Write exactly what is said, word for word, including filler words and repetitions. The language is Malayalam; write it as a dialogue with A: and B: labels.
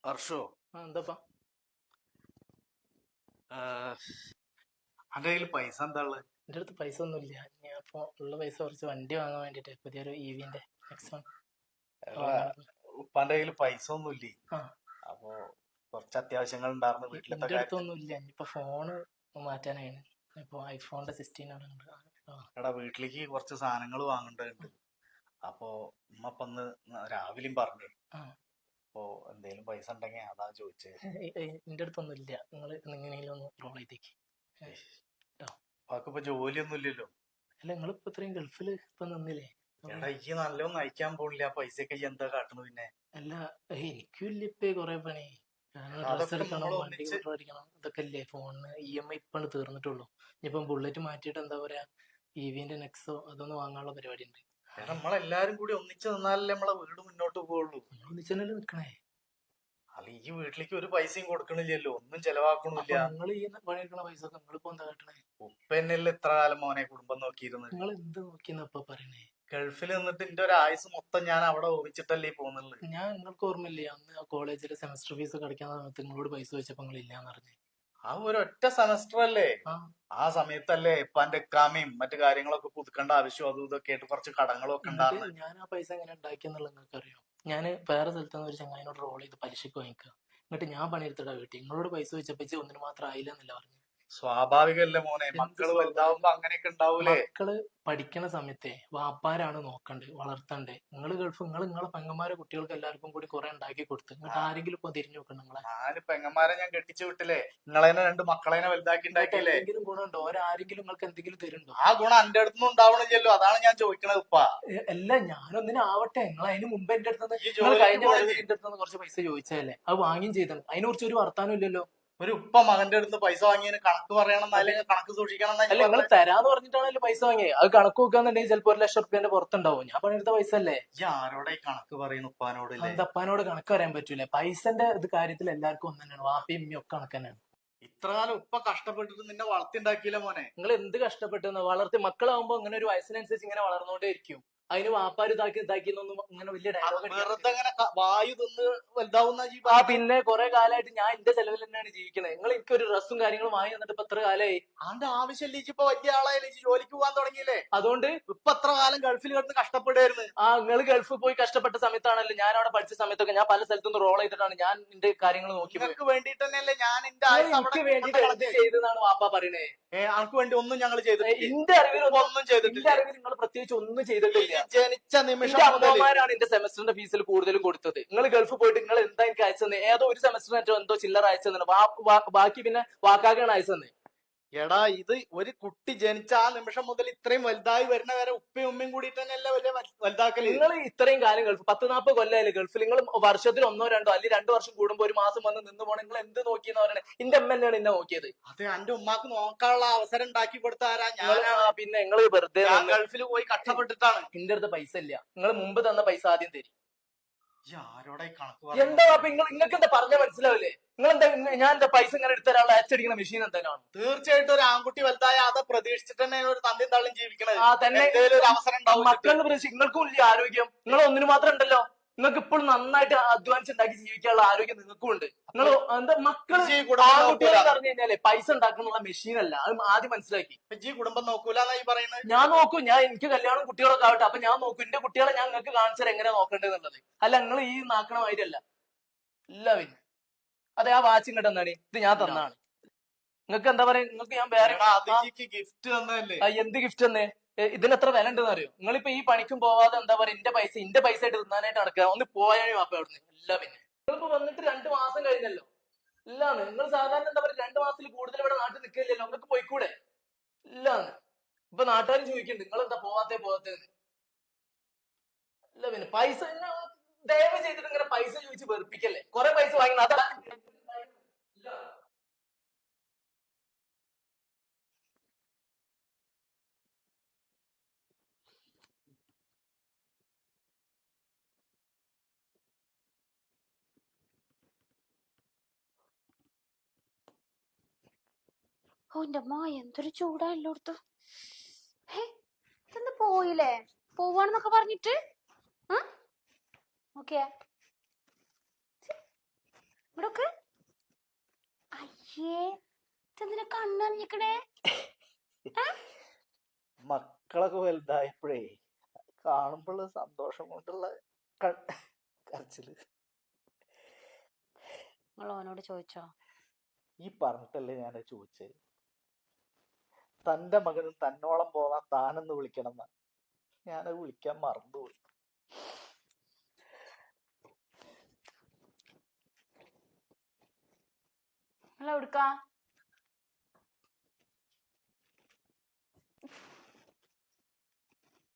A: ഹർഷോ,
B: ആ എന്താപ്പാ
A: അന്റെ കയ്യിൽ പൈസ എന്താ ഉള്ളത്?
B: എൻ്റെ അടുത്ത് പൈസ ഒന്നുമില്ല. ഞാൻ ഇപ്പോൾ ഉള്ള പൈസ കുറച്ച് വണ്ടി വാങ്ങാൻ വേണ്ടിയിട്ട് പുതിയൊരു ഇ വിന്റെ നെക്സോൺ വാങ്ങാൻ.
A: ഉപ്പാന്റെ കയ്യിൽ പൈസ ഒന്നുമില്ലേ?
B: ആ
A: അപ്പൊ കുറച്ച് അത്യാവശ്യങ്ങൾ ഉണ്ടായിരുന്നു വീട്ടിലത്തെ
B: എൻ്റെ
A: കാര്യത്തിൽ.
B: അടുത്തൊന്നും ഇല്ല. ഇനിയിപ്പോൾ ഫോണ് മാറ്റാനാണ്. ഇപ്പോൾ ഐഫോണിന്റെ സിക്സ്റ്റീൻ ആണ് ഉണ്ട്. ആ
A: എടാ, വീട്ടിലേക്ക് കുറച്ച് സാധനങ്ങൾ വാങ്ങേണ്ടതുണ്ട്. അപ്പൊ ഉമ്മ ഇപ്പൊ ഒന്ന് രാവിലെയും പറഞ്ഞു.
B: ആ
A: അപ്പൊ എന്തേലും പൈസ ഉണ്ടെങ്കിൽ അതാ ചോദിച്ചത്.
B: എൻ്റെ അടുത്തൊന്നും ഇല്ല. നിങ്ങൾ എങ്ങനെയെങ്കിലും ഒന്ന് റോൾ ചെയ്തേക്ക് കേട്ടോ.
A: അപ്പൊക്കിപ്പോ ജോലിയൊന്നും ഇല്ലല്ലോ.
B: അല്ല, നിങ്ങളിപ്പോൾ ഇത്രയും ഗൾഫിൽ ഇപ്പം നിന്നില്ലേ?
A: എടാ, ഈ നല്ലൊന്നും അയക്കാൻ പോണില്ല. പൈസയൊക്കെ ഈ എന്താ കാട്ടുന്നത് പിന്നെ?
B: അല്ല, എനിക്കും ഇല്ല ഇപ്പൊ കുറെ പണി. ഡ്രസ്
A: അതൊക്കെ
B: എടുക്കണം,
A: നമ്മൾ
B: വണ്ടി
A: ഒന്നിച്ച്
B: അടിക്കണം, ഇതൊക്കെ അല്ലേ. ഫോണിന് ഇ എം ഐ ഇപ്പാണ് തീർന്നിട്ടുള്ളൂ. ഇനിയിപ്പം ബുള്ളറ്റ് മാറ്റിയിട്ട് എന്താ പറയാ, ഇ വിന്റെ നെക്സോ അതൊന്ന് വാങ്ങാനുള്ള പരിപാടി ഉണ്ട്.
A: എടാ, നമ്മളെല്ലാരും കൂടി ഒന്നിച്ച് നിന്നാലല്ലേ നമ്മളെ വീട് മുന്നോട്ട് പോവുള്ളൂ.
B: നമ്മൾ ഒന്നിച്ചല്ലേ നിക്കണേ.
A: അല്ല, ഈ വീട്ടിലേക്ക് ഒരു പൈസയും കൊടുക്കണില്ലല്ലോ, ഒന്നും ചെലവാക്കണില്ല.
B: നിങ്ങൾ ഈ പണിയെടുക്കണ പൈസ ഒക്കെ നിങ്ങളിപ്പോ എന്താ കാട്ടണേ?
A: ഉപ്പന്നല്ലേ ഇത്ര കാലം മോനെ കുടുംബം നോക്കിയിരുന്നത്.
B: നിങ്ങൾ എന്ത് നോക്കിയെന്ന് ഇപ്പൊ പറയണേ?
A: ഗൾഫിൽ നിന്നിട്ട് എന്റെ ഒരു ആയുസ് മൊത്തം ഞാൻ അവിടെ ഓപിച്ചിട്ടല്ലേ പോകുന്നുള്ളു.
B: ഞാൻ നിങ്ങൾക്ക് ഓർമ്മയില്ലേ, അന്ന് ആ കോളേജിലെ സെമസ്റ്റർ ഫീസ് ഒക്കെ അടയ്ക്കാൻ സമയത്ത് നിങ്ങളോട് പൈസ ചോദിച്ചപ്പോ നിങ്ങൾ ഇല്ലാന്ന് പറഞ്ഞു.
A: ആ ഒരു ഒറ്റ സെമസ്റ്റർ അല്ലേ?
B: ആ
A: ആ സമയത്തല്ലേ ഇപ്പാന്റെ എക്കാമയും മറ്റു കാര്യങ്ങളൊക്കെ പുതുക്കേണ്ട ആവശ്യം അതും ഇതൊക്കെ ആയിട്ട് കുറച്ച് കടങ്ങളും ഒക്കെ
B: എന്നിട്ട്
A: ഉണ്ടായിരുന്നു.
B: ഞാൻ ആ പൈസ എങ്ങനെ ഉണ്ടാക്കിയെന്നുള്ളത് നിങ്ങൾക്ക് അറിയോ? ഞാൻ വേറെ സ്ഥലത്ത് നിന്ന് ഒരു ചങ്ങായിനോട് റോൾ ചെയ്ത് പലിശക്ക് വാങ്ങിക്കുക. എന്നിട്ട് ഞാൻ പണിയെടുത്തിടാ വീട്ടിൽ. നിങ്ങളോട് പൈസ ചോദിച്ചപ്പോ ഒന്നിന് മാത്രം ആയില്ല എന്നല്ല പറഞ്ഞു.
A: സ്വാഭാവികല്ലേ മോനെ,
B: എന്ത്
A: മക്കള്
B: സ്വാഭാവികം?
A: വലുതാവുമ്പോ അങ്ങനെയൊക്കെ ഉണ്ടാവൂലേ?
B: മക്കള് പഠിക്കണ സമയത്തെ വാപ്പാരാണ് നോക്കണ്ടേ, വളർത്തണ്ടേ. നിങ്ങൾ ഗൾഫ് നിങ്ങൾ നിങ്ങളെ പെങ്ങന്മാരെ കുട്ടികൾക്ക് എല്ലാവർക്കും കൂടി കുറെ ഉണ്ടാക്കി കൊടുത്ത് എന്നിട്ട് ആരെങ്കിലും ഇപ്പൊ തിരിഞ്ഞു നോക്കണം നിങ്ങളെ?
A: നാല് പെങ്ങന്മാരെ ഞാൻ കെട്ടിച്ചു വിട്ടില്ലേ, നിങ്ങളേനെ രണ്ട് മക്കളേനെ വലുതാക്കി
B: നിങ്ങൾക്ക്
A: ഉണ്ടാക്കിയില്ലേ?
B: എന്തെങ്കിലും ഗുണമുണ്ടോ? ഓരാരെങ്കിലും നിങ്ങൾക്ക് എന്തെങ്കിലും തരുന്നുണ്ടോ?
A: ആ ഗുണം എന്റെ അടുത്തൊന്നും ഉണ്ടാവണില്ലല്ലോ, അതാണ് ഞാൻ ചോദിക്കണത് ഉപ്പ.
B: എ- അല്ല, ഞാനൊന്നിനും ആവട്ടെ. നിങ്ങൾ അതിന് മുമ്പ് എന്റെ അടുത്ത്
A: ഈ
B: നിങ്ങൾ
A: ജോലിക്ക്
B: കഴിഞ്ഞ
A: പോണില്ലേ?
B: വരവിൽ എന്റെ അടുത്ത് കുറച്ച് പൈസ ചോദിച്ചതല്ലേ, അത് വാങ്ങിയും ചെയ്തത്. അതിനെ കുറിച്ച് ഒരു വർത്താനം ഇല്ലല്ലോ.
A: ഒരു ഉപ്പ മകന്റെ അടുത്ത് പൈസ വാങ്ങിയതിന് കണക്ക് പറയണം, അല്ലെങ്കിൽ കണക്ക് സൂക്ഷിക്കണം എന്നാ
B: അല്ല,
A: ഞാൻ
B: നിങ്ങൾ
A: പറഞ്ഞത്.
B: തരാന്ന് പറഞ്ഞിട്ടാണല്ലോ പൈസ വാങ്ങിയത്. അത് കണക്ക് നോക്കാന്നുണ്ടെങ്കിൽ ചിലപ്പോ ഒരു ലക്ഷം റുപ്യന്റെ പുറത്തുണ്ടാവും. ഞാൻ പണിയെടുത്ത പൈസ അല്ലേ.
A: ഈ ആരോടെ ഈ കണക്ക് പറയുന്നു ഉപ്പാനോടില്ലേ?
B: അന്തപ്പാനോട് കണക്ക് പറയാൻ പറ്റൂലേ. പൈസന്റെ ഇത് കാര്യത്തിൽ എല്ലാവർക്കും ഒന്ന് തന്നെയാണ്. വാപ്പയും ഉമ്മയും ഒക്കെ കണക്ക് തന്നെയാണ്.
A: ഇത്ര കാലം ഉപ്പ കഷ്ടപ്പെട്ടിട്ട് നിന്നെ വളർത്തിണ്ടാക്കിയില്ല മോനെ.
B: നിങ്ങൾ എന്ത് കഷ്ടപ്പെട്ടെന്ന് വളർത്തി മക്കളാവുമ്പോ ഇങ്ങനെ ഒരു വയസ്സിനനുസരിച്ച് ഇങ്ങനെ വളർന്നുകൊണ്ടേ ഇരിക്കും. അതിന് വാപ്പാര് ഇതാക്കി ഇതാക്കി എന്നൊന്നും ഇങ്ങനെ വലിയ
A: അത്
B: ഡയലോഗ്
A: വെറുതെ ഇങ്ങനെ ക- വായു തിന്ന് വലുതാവുന്ന ജീ
B: ആ പിന്നെ കുറെ കാലമായിട്ട് ഞാൻ എന്റെ ചെലവിൽ തന്നെയാണ് ജീവിക്കുന്നത്. നിങ്ങൾ എനിക്കൊരു ഡ്രസ്സും കാര്യങ്ങളും വാങ്ങി തന്നിട്ട് ഇപ്പൊ എത്ര കാലമായി?
A: ആന്റെ ആവശ്യമില്ല. ഇപ്പൊ വലിയ ആളായാലും ഇജ്ജ് ജോലിക്ക് പോകാൻ തുടങ്ങിയില്ലേ?
B: അതുകൊണ്ട്
A: ഇപ്പൊ എത്ര കാലം ഗൾഫിൽ കിടന്ന് കഷ്ടപ്പെടുമായിരുന്നു.
B: ആ നിങ്ങൾ ഗൾഫിൽ പോയി കഷ്ടപ്പെട്ട സമയത്താണല്ലോ ഞാൻ അവിടെ പഠിച്ച സമയത്തൊക്കെ ഞാൻ പല സ്ഥലത്തുനിന്ന് റോൾ ചെയ്തിട്ടാണ് ഞാൻ എന്റെ കാര്യങ്ങൾ നോക്കി പോയത്.
A: നിങ്ങൾക്ക് വേണ്ടിട്ട് തന്നെയല്ലേ ഞാൻ എന്റെ
B: നിങ്ങൾ
A: ആയുസ് അവിടെ
B: എനിക്ക് വേണ്ടിട്ട്
A: കൊണ്ട്
B: എന്ത്
A: കളഞ്ഞത്.
B: ചെയ്തെന്നാണ് വാപ്പ പറയണേ?
A: ഏ, അനക്ക് വേണ്ടി ഒന്നും ഞങ്ങൾ ചെയ്തിട്ടില്ല.
B: എന്റെ അറിവിൽ
A: ഉപ്പ
B: ഒന്നും
A: ഒന്നും
B: എന്റെ
A: ചെയ്തിട്ടില്ല.
B: അറിവിൽ നിങ്ങൾ പ്രത്യേകിച്ച് ഒന്നും ചെയ്തിട്ടില്ല.
A: ഈ ജനിച്ച നിമിഷം
B: എന്റെ
A: മുതല്
B: അമ്മമാരാണ് എന്റെ സെമസ്റ്ററിന്റെ ഫീസിൽ കൂടുതലും കൊടുത്തത്. നിങ്ങൾ ഗൾഫ് പോയിട്ട് നിങ്ങൾ എന്താ എനിക്ക് അയച്ചത്? ഏതോ ഒരു സെമസ്റ്ററിന് എന്തോ ചില്ലറ അയച്ചതെന്ന്. ബാക്കി പിന്നെ വാക്കാക്കാണ് അയച്ചത്.
A: എടാ, ഇത് ഒരു കുട്ടി ജനിച്ച ആ നിമിഷം മുതൽ ഇത്രയും വലുതായി വരുന്ന വരെ ഉപ്പയും ഉമ്മയും കൂടിയിട്ട് തന്നെയല്ലേ വലിയ വൽ- വലുതാക്കല്.
B: നിങ്ങൾ ഇത്രയും കാലം ഗൾഫ് പത്ത് നാൽപ്പത് കൊല്ലമായില്ലേ ഗൾഫിൽ. നിങ്ങൾ വർഷത്തിൽ ഒന്നോ രണ്ടോ അല്ലെങ്കിൽ രണ്ടു വർഷം കൂടുമ്പോ ഒരു മാസം വന്ന് നിന്ന് പോകണം. നിങ്ങൾ എന്ത് നോക്കിയെന്ന് പറയണേ? എന്റെ അമ്മ തന്നെയാണ് എന്നെ നോക്കിയത്.
A: അത് എന്റെ ഉമ്മാക്ക് നോക്കാനുള്ള അവസരം ഉണ്ടാക്കി കൊടുത്ത ആരാ?
B: നിങ്ങള്
A: ഞാനാണ്.
B: ആ പിന്നെ നിങ്ങൾ വെറുതെ
A: ഞാൻ
B: വന്ന്
A: ഗൾഫിൽ പോയി കഷ്ടപ്പെട്ടിട്ടാണ്.
B: എന്റെ അടുത്ത് പൈസ ഇല്ല. നിങ്ങൾ മുമ്പ് തന്ന പൈസ ആദ്യം തരും.
A: ഈ ആരോടാ ഈ കണക്ക്
B: എന്താ
A: പറയുന്നത്?
B: അപ്പൊ നിങ്ങൾ നിങ്ങൾക്ക് എന്താ പറഞ്ഞാൽ മനസ്സിലാവില്ലേ? നിങ്ങൾ എന്താ ഞാൻ എന്താ പൈസ ഇങ്ങനെ എടുത്തരാനുള്ള അച്ചടിക്കുന്ന മെഷീൻ എന്തെങ്കിലും?
A: തീർച്ചയായിട്ടും ഒരു ആൺകുട്ടി വലുതായ അത് പ്രതീക്ഷിച്ചിട്ട് തന്നെ ഒരു തന്തി തള്ളും ജീവിക്കണത്.
B: ആ തന്നെ
A: എന്തേലും ഒരു അവസരം ഉണ്ടാവും.
B: മക്കളുടെ പ്രശ്നം. നിങ്ങൾക്കും ഇല്ല ആരോഗ്യം. നിങ്ങൾ ഒന്നിനു മാത്രം ഉണ്ടല്ലോ. നിങ്ങൾക്ക് ഇപ്പോഴും നന്നായിട്ട് അധ്വാനിച്ചുണ്ടാക്കി ജീവിക്കാനുള്ള ആരോഗ്യം നിങ്ങൾക്കും ഉണ്ട്. നിങ്ങൾ എന്താ മക്കള്
A: ഇജ്ജ് ഈ കുടുംബം
B: ആൺകുട്ടികൾ
A: നോക്കൂല.
B: പറഞ്ഞു കഴിഞ്ഞാലേ പൈസ ഉണ്ടാക്കാനുള്ള മെഷീൻ അല്ല. അത് ആദ്യം മനസ്സിലാക്കി.
A: ഈ കുടുംബം നോക്കൂലെന്നാ ഈ പറയുന്നത്.
B: ഞാൻ നോക്കും. ഞാൻ എനിക്ക് കല്യാണം കുട്ടികളൊക്കെ ആവട്ടെ. അപ്പൊ ഞാൻ നോക്കും എന്റെ കുട്ടികളെ ഞാൻ നിങ്ങൾക്ക് കാണിച്ചാൽ എങ്ങനെ നോക്കേണ്ടതെന്നുള്ളത്. അല്ല നിങ്ങൾ ഈ നാക്കണ മാതിരിയല്ല. ഇല്ല പിന്നെ അതെ, ആ വാച്ച് ഇങ്ങോട്ട് എന്നാണ് ഇത് ഞാൻ തന്നാണ്. നിങ്ങൾക്ക് എന്താ പറയാ? നിങ്ങൾക്ക് ഞാൻ വേറെ
A: എടാ, അത് ഈ ഗിഫ്റ്റ് തന്നതല്ലേ?
B: ആ, എന്ത് ഗിഫ്റ്റ് തന്നെ? ഇതിന് എത്ര വില ഉണ്ടെന്ന് അറിയോ? നിങ്ങളിപ്പോ ഈ പണിക്കും പോവാതെ എന്താ പറയാ എന്റെ പൈസ എന്റെ പൈസ ആയിട്ട് തിന്നാനായിട്ട് നടക്കുക. ഒന്ന് പോയാണോ വാപ്പ അവിടുന്ന്? ഇല്ല പിന്നെ നിങ്ങളിപ്പോ വന്നിട്ട് രണ്ടു മാസം കഴിഞ്ഞല്ലോ. ഇല്ലാന്ന് നിങ്ങൾ സാധാരണ എന്താ പറയാ രണ്ടു മാസത്തിൽ കൂടുതൽ ഇവിടെ നാട്ടിൽ നിൽക്കില്ലല്ലോ. നിങ്ങൾക്ക് പോയിക്കൂടെ? ഇല്ലാന്ന് ഇപ്പൊ നാട്ടുകാരും ചോദിക്കുന്നുണ്ട് നിങ്ങൾ എന്താ പോവാത്തേ പോവാത്തേ. ഇല്ല പിന്നെ പൈസ ദയവ് ചെയ്തിട്ട് ഇങ്ങനെ പൈസ ചോദിച്ച് വെറുപ്പിക്കല്ലേ. കുറെ പൈസ വാങ്ങി അതാ ഇല്ല.
C: ഓ എന്റെ അമ്മ എന്തൊരു ചൂടാ എല്ലായിടത്തും. ഹേ, ഇതെന്താ പോയില്ലേ? പോവാണെന്നൊക്കെ പറഞ്ഞിട്ട് ആ ഓക്കെ ഇങ്ങനെ കണ്ണറിഞ്ഞിക്കണേ?
A: മക്കളൊക്കെ വലുതായപ്പോഴേ കാണുമ്പോഴുള്ള സന്തോഷം കൊണ്ടുള്ള ക- കരച്ചില്.
C: നിങ്ങൾ ഓനോട് ചോദിച്ചോ?
A: ഈ പറഞ്ഞിട്ടല്ലേ ഞാൻ ചോദിച്ചത്. തന്റെ മകനും തന്നോളം പോകാൻ താനെന്ന് വിളിക്കണം എന്നാ. ഞാനത് വിളിക്കാൻ മറന്നുപോയി.
C: നിങ്ങൾ എവിടുക്കാ?